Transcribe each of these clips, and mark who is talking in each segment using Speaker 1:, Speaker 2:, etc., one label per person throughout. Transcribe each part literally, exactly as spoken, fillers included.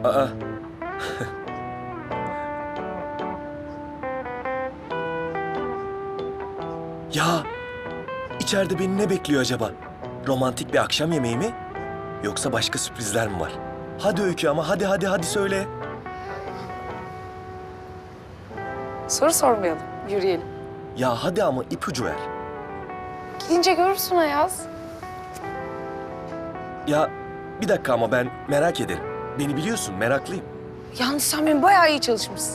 Speaker 1: Aa. Ya, içeride beni ne bekliyor acaba? Romantik bir akşam yemeği mi? Yoksa başka sürprizler mi var? Hadi Öykü ama hadi hadi hadi söyle.
Speaker 2: Soru sormayalım, yürüyelim.
Speaker 1: Ya hadi ama ipucu ver.
Speaker 2: Gidince görürsün Ayaz.
Speaker 1: Ya bir dakika ama ben merak ederim. Beni biliyorsun, meraklıyım.
Speaker 2: Yalnız sen benim bayağı iyi çalışmışsın.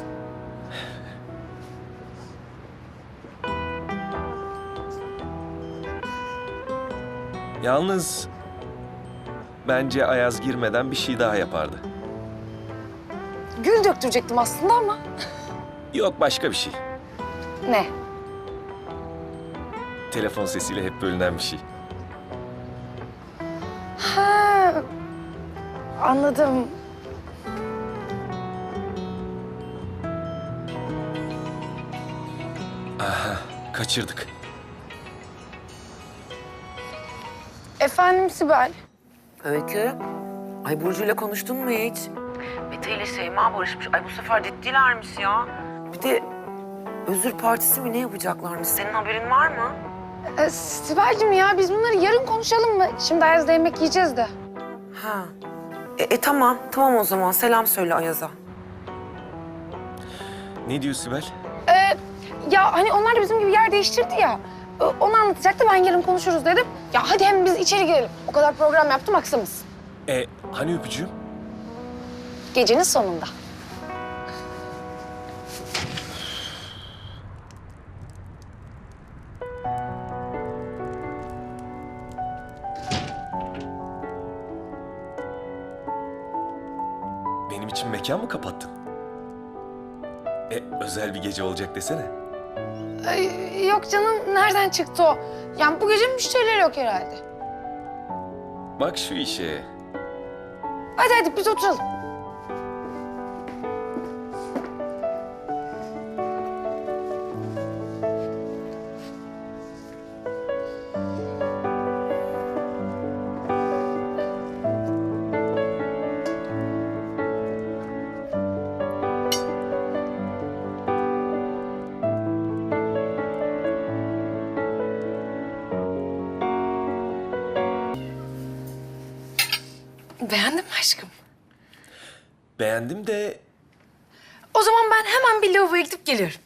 Speaker 1: Yalnız bence Ayaz girmeden bir şey daha yapardı.
Speaker 2: Gül döktürecektim aslında ama.
Speaker 1: Yok başka bir şey.
Speaker 2: Ne?
Speaker 1: Telefon sesiyle hep bölünen bir şey.
Speaker 2: Ha, anladım.
Speaker 1: Aha, kaçırdık.
Speaker 2: Efendim Sibel.
Speaker 3: Öykü. Ay Burcu'yla konuştun mu hiç? Mete ile Şeyma barışmış. Ay bu sefer ciddilermiş ya. Bir de özür partisi mi ne yapacaklarmış? Senin haberin var mı?
Speaker 2: Ee, Sibel'cim ya biz bunları yarın konuşalım mı? Şimdi Ayaz'da yemek yiyeceğiz de.
Speaker 3: Ha. E, e tamam. Tamam o zaman. Selam söyle Ayaz'a.
Speaker 1: Ne diyor Sibel?
Speaker 2: Ee, ya hani onlar da bizim gibi yer değiştirdi ya. Ee, Onu anlatacaktı, ben yarın konuşuruz dedim. Ya hadi hem biz içeri girelim. O kadar program yaptım, aksımız.
Speaker 1: E hani öpücüğüm?
Speaker 2: Gecenin sonunda.
Speaker 1: Benim için mekan mı kapattın? E özel bir gece olacak desene.
Speaker 2: Ay, yok canım, nereden çıktı o? Yani bu gece müşteriler yok herhalde.
Speaker 1: Bak şu işe.
Speaker 2: Hadi hadi biz oturalım. Beğendin mi aşkım?
Speaker 1: Beğendim de
Speaker 2: O zaman ben hemen bir lavaboya gidip geliyorum.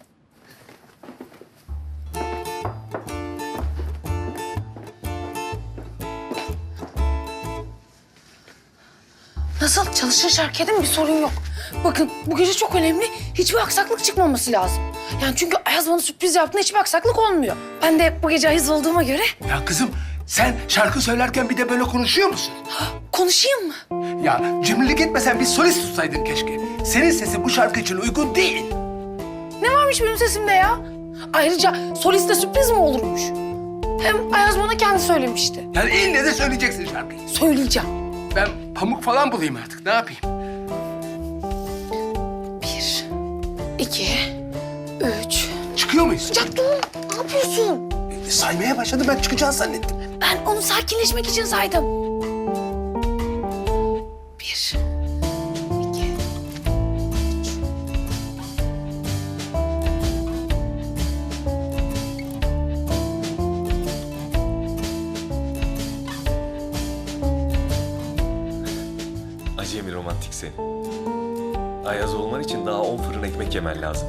Speaker 2: Nasıl? Çalışır şarkıya değil mi? Bir sorun yok. Bakın bu gece çok önemli. Hiçbir aksaklık çıkmaması lazım. Yani çünkü Ayaz bana sürpriz yaptığında hiçbir aksaklık olmuyor. Ben de bu gece Ayaz olduğuma göre
Speaker 4: Ya kızım sen şarkı söylerken bir de böyle konuşuyor musun?
Speaker 2: konuşayım mı?
Speaker 4: Ya cimrilik etmesen bir solist tutsaydın keşke. Senin sesin bu şarkı için uygun değil.
Speaker 2: Ne varmış benim sesimde ya? Ayrıca soliste sürpriz mi olurmuş? Hem Ayaz bana kendi söylemişti.
Speaker 4: Yani ille de söyleyeceksin şarkıyı.
Speaker 2: Söyleyeceğim.
Speaker 4: Ben pamuk falan bulayım artık, ne yapayım?
Speaker 2: Bir, iki, üç.
Speaker 4: Çıkıyor muyuz?
Speaker 2: Ya dur, ne yapıyorsun?
Speaker 4: E, saymaya başladı, ben çıkacağını zannettim.
Speaker 2: Ben onu sakinleşmek için saydım. Bir, iki, üç.
Speaker 1: acemi romantik seni. Ayaz olman için daha on fırın ekmek yemen lazım.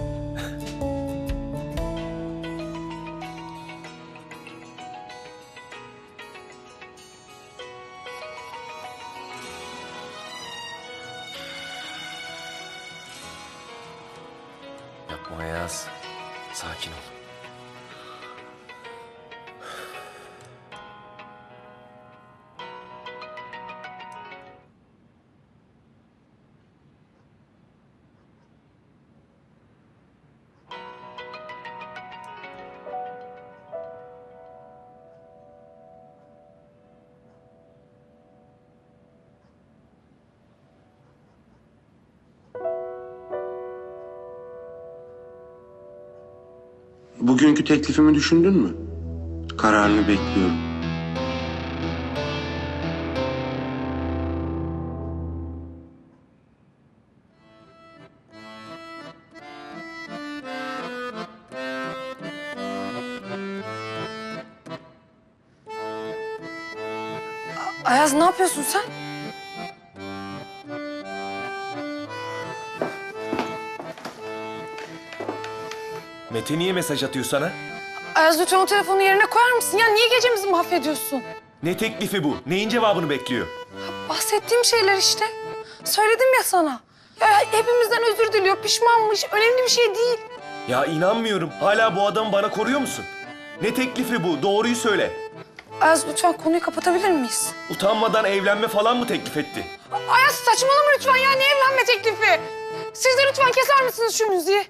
Speaker 1: Yapma Ayaz. Sakin ol.
Speaker 5: Bugünkü teklifimi düşündün mü? Kararını bekliyorum.
Speaker 2: Ayaz ne yapıyorsun sen?
Speaker 1: Mete niye mesaj atıyor sana?
Speaker 2: Ayaz lütfen o telefonu yerine koyar mısın? Ya niye gecemizi mahvediyorsun?
Speaker 1: Ne teklifi bu? Neyin cevabını bekliyor?
Speaker 2: Bahsettiğim şeyler işte. Söyledim ya sana. Ya hepimizden özür diliyor, pişmanmış. Önemli bir şey değil.
Speaker 1: Ya inanmıyorum. Hala bu adamı bana koruyor musun? Ne teklifi bu? Doğruyu söyle.
Speaker 2: Ayaz lütfen konuyu kapatabilir miyiz?
Speaker 1: Utanmadan evlenme falan mı teklif etti?
Speaker 2: Ayaz saçmalama lütfen ya. Ne evlenme teklifi? Siz de lütfen keser misiniz şu müziği?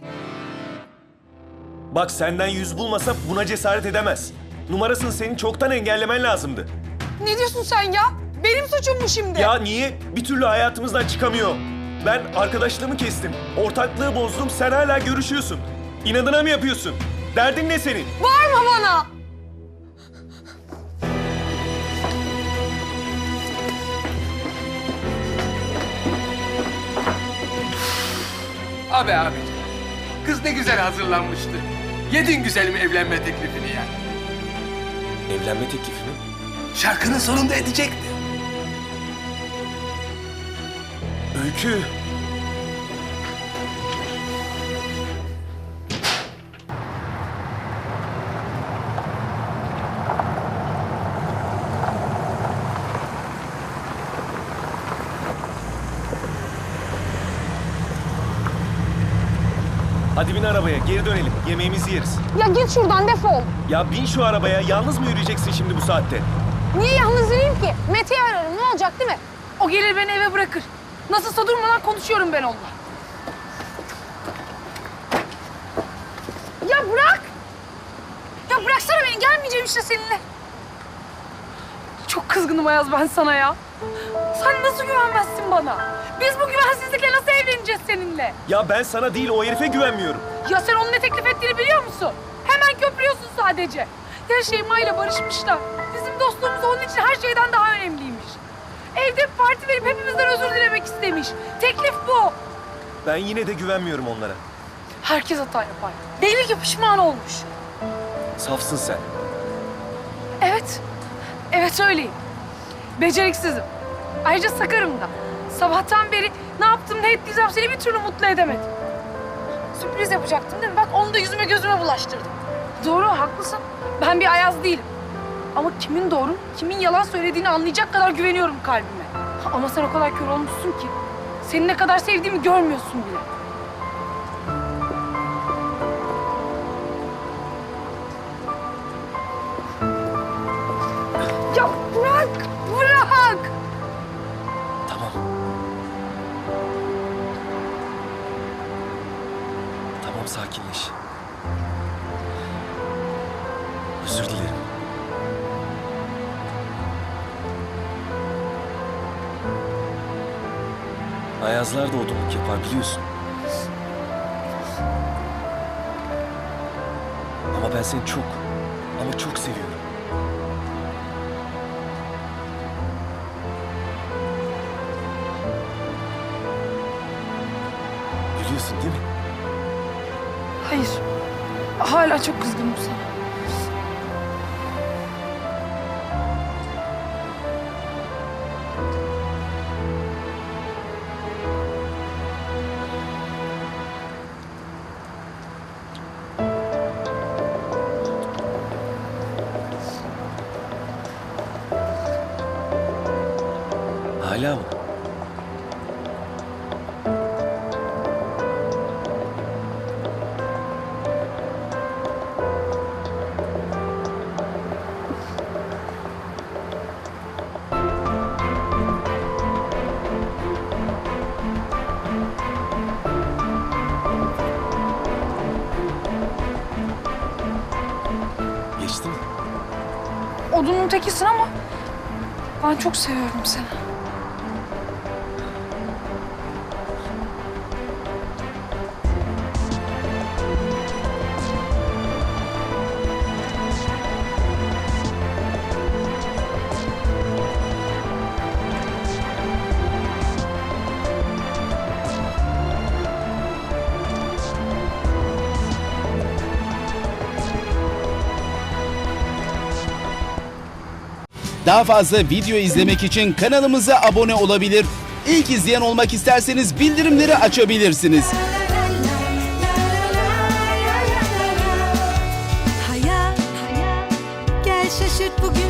Speaker 1: Bak senden yüz bulmasa buna cesaret edemez. Numarasını senin çoktan engellemen lazımdı.
Speaker 2: Ne diyorsun sen ya? Benim suçum mu şimdi?
Speaker 1: Ya niye? Bir türlü hayatımızdan çıkamıyor. Ben arkadaşlığımı kestim. Ortaklığı bozdum. Sen hala görüşüyorsun. İnadına mı yapıyorsun? Derdin ne senin?
Speaker 2: Bağırma bana.
Speaker 4: Abi abiciğim. Kız ne güzel hazırlanmıştı. Yedin güzelim evlenme teklifini ya.
Speaker 1: Evlenme teklifi mi?
Speaker 4: Şarkının sonunda edecekti.
Speaker 1: Öykü. Hadi bin arabaya, geri dönelim. Yemeğimizi yeriz.
Speaker 2: Ya git şuradan defol.
Speaker 1: Ya bin şu arabaya. Yalnız mı yürüyeceksin şimdi bu saatte?
Speaker 2: Niye yalnız yürüyeyim ki? Mete'yi ararım. Ne olacak değil mi? O gelir beni eve bırakır. Nasılsa durmadan konuşuyorum ben onunla. Ya bırak! Ya bıraksana beni. Gelmeyeceğim işte seninle. Çok kızgınım Ayaz ben sana ya. Sen nasıl güvenmezsin bana? Biz bu güvensizlikle nasıl evleneceğiz seninle?
Speaker 1: Ya ben sana değil o herife güvenmiyorum.
Speaker 2: Ya sen onun ne teklif ettiğini biliyor musun? Hemen köprüyorsun sadece. Ya Şeyma ile barışmışlar. Bizim dostluğumuz onun için her şeyden daha önemliymiş. Evde bir parti verip hepimizden özür dilemek istemiş. Teklif bu.
Speaker 1: Ben yine de güvenmiyorum onlara.
Speaker 2: Herkes hata yapar. Belli ki pişman olmuş.
Speaker 1: Safsın sen.
Speaker 2: Evet. Evet öyleyim. Beceriksizim. Ayrıca sakarım da. Sabahtan beri ne yaptım ne ettiysem seni bir türlü mutlu edemedim. Sürpriz yapacaktım değil mi? Bak onu da yüzüme gözüme bulaştırdım. Doğru haklısın. Ben bir Ayaz değilim. Ama kimin doğru, kimin yalan söylediğini anlayacak kadar güveniyorum kalbime. Ama sen o kadar kör olmuşsun ki seni ne kadar sevdiğimi görmüyorsun bile. Ya bırak, bırak!
Speaker 1: Tamam. Tamam sakinleş. Özür dilerim. Ayazlar da odunluk yapar biliyorsun. Ama ben seni çok ama çok seviyorum. Biliyorsun değil mi?
Speaker 2: Hayır. Hala çok kızgınım sana.
Speaker 1: Hala mı? Geçti mi?
Speaker 2: Odunun tekisin ama ben çok seviyorum seni.
Speaker 6: Daha fazla video izlemek için kanalımıza abone olabilir. İlk izleyen olmak isterseniz bildirimleri açabilirsiniz.
Speaker 7: Hayat, gel şaşırt bugün.